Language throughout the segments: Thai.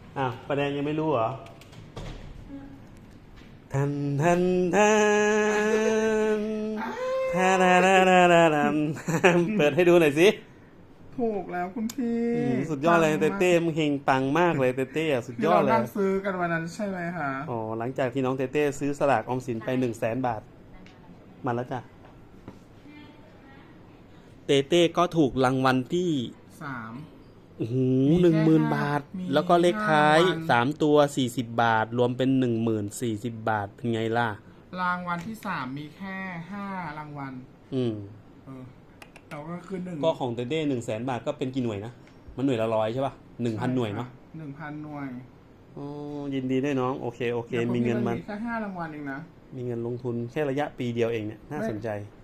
อ้าวประแดงยังไม่รู้เหรอทันทันทันทันทันทันทันเปิดให้ดูหน่อยสิถูกแล้วคุณพี่สุดยอดเลยเต้เต้มึงเฮงปังมากเลยเต้เต้สุดยอดเลยที่เรานั่งซื้อกันวันนั้นใช่ไหมคะอ๋อหลังจากที่น้องเต้เต้ซื้อสลากออมสินไป100,000 บาทมาแล้วจ้ะเต้เต้ก็ถูกรางวัลที่ 3 โอ้โห10,000 บาทแล้วก็เลขท้าย3 ตัว40 บาทรวมเป็น10,040 บาทเป็นไงล่ะรางวัลที่3มีแค่5รางวัลเราก็คือ1 ก็ของเต้เต้100,000 บาทก็เป็นกี่หน่วยนะมันหน่วยละ100ใช่ป่ะ1,000 หน่วยเนาะ 1,000 หน่วยอ๋อยินดีด้วยน้องโอเคมีเงินมาแค่5รางวัลเองนะมีเงินลงทุนแค่ระยะปีเดียวเองเนี่ยน่าสนใจ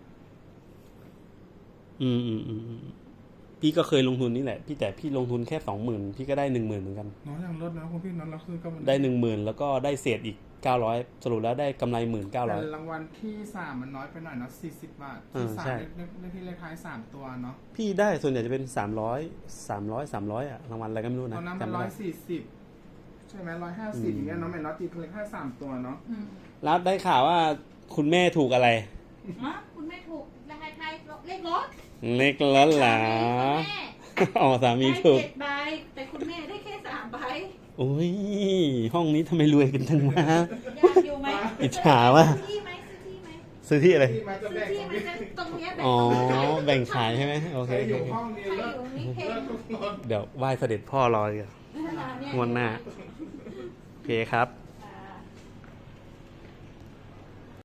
พี่ก็เคยลงทุนนี่แหละแต่พี่ลงทุนแค่20,000พี่ก็ได้10,000เหมือนกันน้องยังลดนะคุณพี่น้องเราคือก็ได้10,000แล้วก็ได้เศษอีก900สรุปแล้วได้กำไร19,000 แต่รางวัลที่3มันน้อยไปหน่อยเนาะ40 บาทที่3ที่เลขท้าย3ตัวเนาะพี่ได้ส่วนใหญ่จะเป็น300อ่ะรางวัลอะไรก็ไม่รู้นะตอนนั้นมัน140ใช่ไหม150อย่างเงี้ยน้องแม่น็อตตีเลขท้าย3ตัวเนาะแล้วได้ข่าวว่าคุณแม่ถูกอะไรคุณแม่ถูกเลขท้ายเลขรถเหรออ๋อสามีถูก 7 ใบแต่คุณแม่ได้แค่3 ใบโอ้ยห้องนี้ทำไมรวยกันจังวะอยากอยู่ไหมอิจฉาว่ะซื้อที่อะไรซื้อที่มันจะตรงนี้อ๋อแบ่งขายใช่ไหมโอเคเดี๋ยวไหว้เสด็จพ่อรอเลยงวดหน้าโอเคครับ